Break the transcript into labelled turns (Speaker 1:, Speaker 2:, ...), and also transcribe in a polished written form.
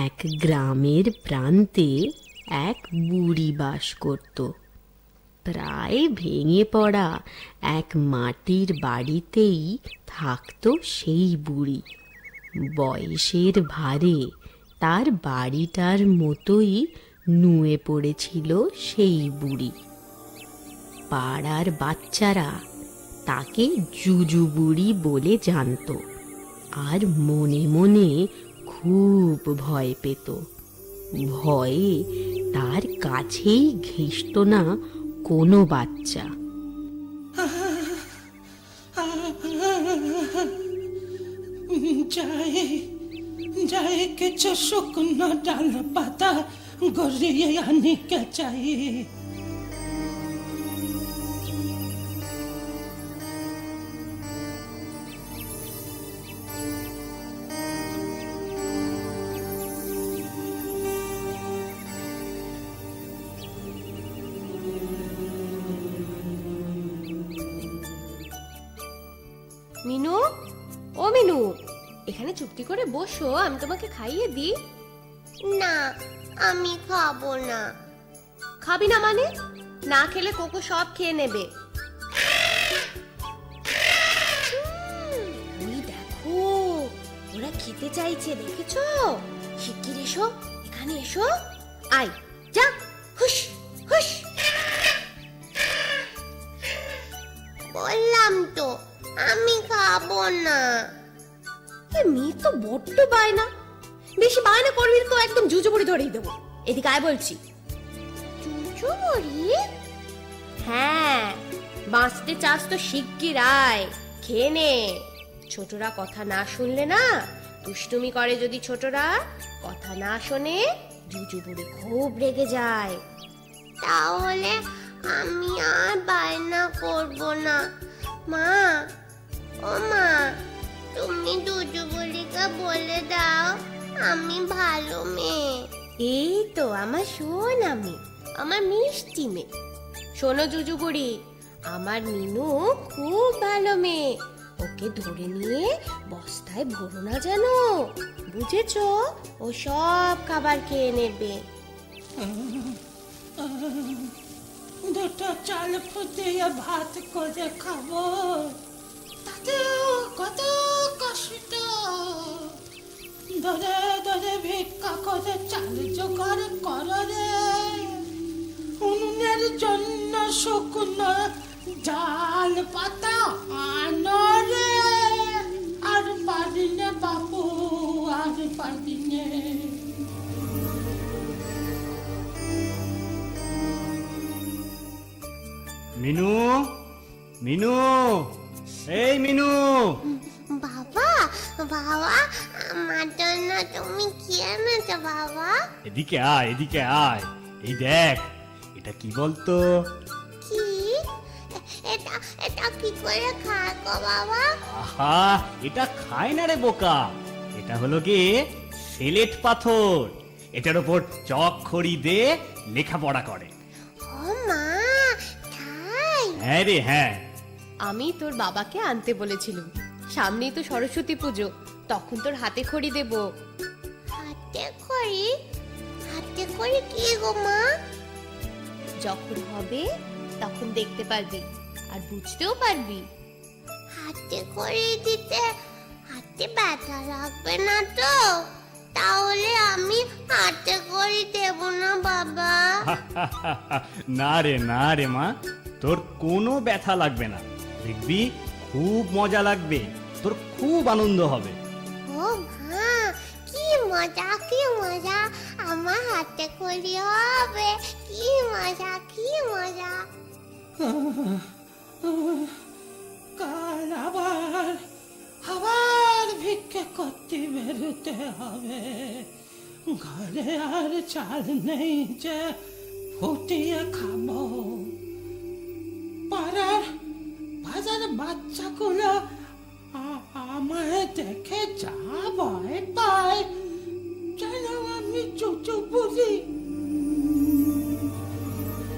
Speaker 1: এক গ্রামের প্রান্তে এক বুড়ি বাস করত। প্রায় ভেঙে পড়া এক মাটির বাড়িতেই থাকতো সেই বুড়ি। বয়সের ভারে তার বাড়িটার মতোই নুয়ে পড়েছিল সেই বুড়ি। পাড়ার বাচ্চারা তাকে জুজু বুড়ি বলে জানত, আর মনে মনে খুব ভয় পেত। ভয়ে তার কাছেই ঘেঁষত না কোনো বাচ্চা।
Speaker 2: যাই কিছু শুকনো ডাল পাতা গড়িয়ে আনিকে চাই।
Speaker 3: মিনু, ও মিনু, এখানে চুপটি করে বসো, আমি তোমাকে খাইয়ে দিই।
Speaker 4: না, আমি খাবো না।
Speaker 3: খাবি না মানে? না খেলে কোকো সব খেয়ে নেবে। ওই দেখো, ওরা খেতে চাইছে, দেখেছো? শিগগির এসো, এখানে এসো। আয়, যা, হুশ হুশ।
Speaker 4: বললাম তো আমি খাবো না।
Speaker 3: মেয়ে তো বড্ড বায়না। বেশি বায়না করবি তো একদম জুজু বুড়ি ধরেই দেবো। এদিকে আয় বলছি।
Speaker 4: জুজু বুড়ি?
Speaker 3: হ্যাঁ, বাঁচতে চাস তো শিগগির আয়, খেয়ে নে। ছোটরা কথা না শুনলে না, দুষ্টুমি করে যদি ছোটরা, কথা না শোনে, জুজু বুড়ি খুব রেগে যায়।
Speaker 4: তাহলে আমি আর বায়না করবো না। মা, ও মা, তুমি জুজু বুড়িকে বলে দাও আমি ভালো মেয়ে।
Speaker 3: এই তো আমার সোনা মেয়ে, আমার মিষ্টি মেয়ে। শোনো জুজু বুড়ি, আমার মিনু খুব ভালো মেয়ে। ওকে ধরে নিয়ে বস্তায় ভরো না যেন, বুঝেছো? ও সব খাবার খেয়ে নেবে।
Speaker 2: দুটো চাল ফুটিয়ে ভাত করে খাবো, তাতেও কত কষ্ট। ধরে ধরে ভিক্ষা করে চাল জোগাড় করো রে। উনুনের জন্য শুকনো ডাল পাতা আনো রে। আর পারি নে বাবু, আর পারি নে।
Speaker 5: মিনু, মিনু, এই মিনু।
Speaker 4: বাবা, বাবা, আমার জন্য তুমি কি এনেছো বাবা?
Speaker 5: এদিকে আয়, এদিকে আয়। এই দেখ, এটা কি বলতো?
Speaker 4: কি? এটা এটা কি করে খায় গো বাবা?
Speaker 5: আহা, এটা খায় না রে বোকা। এটা হলো কি সিলেট পাথর। এটার উপর চক খড়ি দিয়ে লেখাপড়া করে।
Speaker 4: ও মা, তাই?
Speaker 5: হ্যাঁ রে, হ্যাঁ।
Speaker 3: আমি তোর বাবাকে আনতে বলেছিলাম, সামনেই তো সরস্বতী পুজো, তখন তোর হাতে খড়ি দেব।
Speaker 4: হাতে খড়ি? হাতে খড়ি কি গো মা?
Speaker 3: যখন হবে তখন দেখতে পারবি আর বুঝতেও পারবি।
Speaker 4: হাতে খড়ি দিতে হাতে ব্যথা লাগবে না তো? তাহলে আমি হাতে খড়ি দেব না বাবা।
Speaker 5: না রে, না রে মা, তোর কোনো ব্যথা লাগবে না। দেখবি খুব মজা লাগবে, তোর খুব আনন্দ হবে।
Speaker 4: ও মা, কি মজা, কি মজা! আমার হাতে খড়ি হবে, কি মজা, কি মজা!
Speaker 2: কাল আবার আবার ভিক্ষে করতে বেরোতে হবে। ঘরে আর চাল নেই যে ফুটিয়ে খাবো। পাড়ার বাজার বাচ্চাগুলো আমায় দেখে যা ভয় পায়, যেন আমি জুজু বুড়ি।